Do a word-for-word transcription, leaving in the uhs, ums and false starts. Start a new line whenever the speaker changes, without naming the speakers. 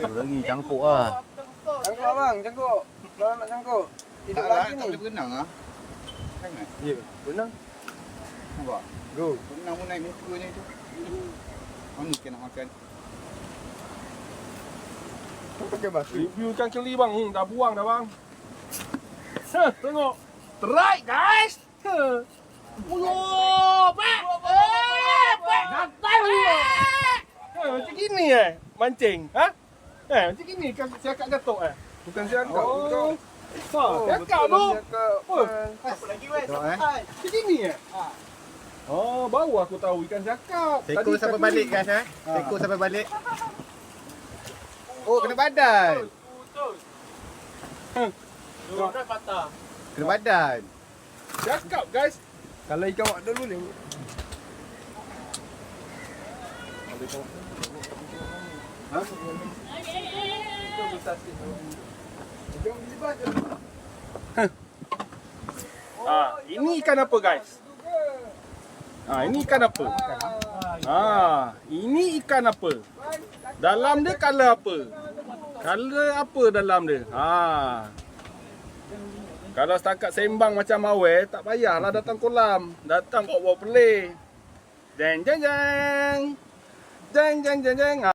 lagi cangkuk ah.
Cangkuk bang, cangkuk. Kalau nak cangkuk. Hidup
Tak lah,
lagi
tak
ni.
boleh berenang ah. Sangat.
Ya, benar.
Nampak?
Go.
Berenang pun naik muka ni tu. Mana kita nak makan?
Pakai batu.
Review ikan keli bang. Hmm, dah buang dah bang. Ha, tengok. Strike guys. Ha. Uyo, pak. Eh, pak. Gatal uyo. Ha, macam gini eh mancing. Ha? Eh, macam gini ikan siakak gatuk eh.
Bukan siakak,
Oh.
betul.
Ha, siakak
betul
tu.
lah siakak.
Oh.
Bukan.
Tengok eh.
Macam gini eh. Oh, baru aku tahu ikan siakak.
Teko
Tadi
sampai
ikan
balik
keli.
guys eh. Teko sampai balik. Oh, kena badan.
Dua dah patah.
Kena badan.
Siakak guys.
Kalau ikan wak dulu ni.
Ha?
Ah, ini ikan apa guys? Ah, ini ikan apa? Ah, ini ikan apa? Dalam dia color apa? Color apa dalam dia? Ah. Kalau setakat sembang macam awal, tak payahlah datang kolam. Datang bawa-bawa pelih. Jeng jeng jeng. Jeng jeng jeng jeng.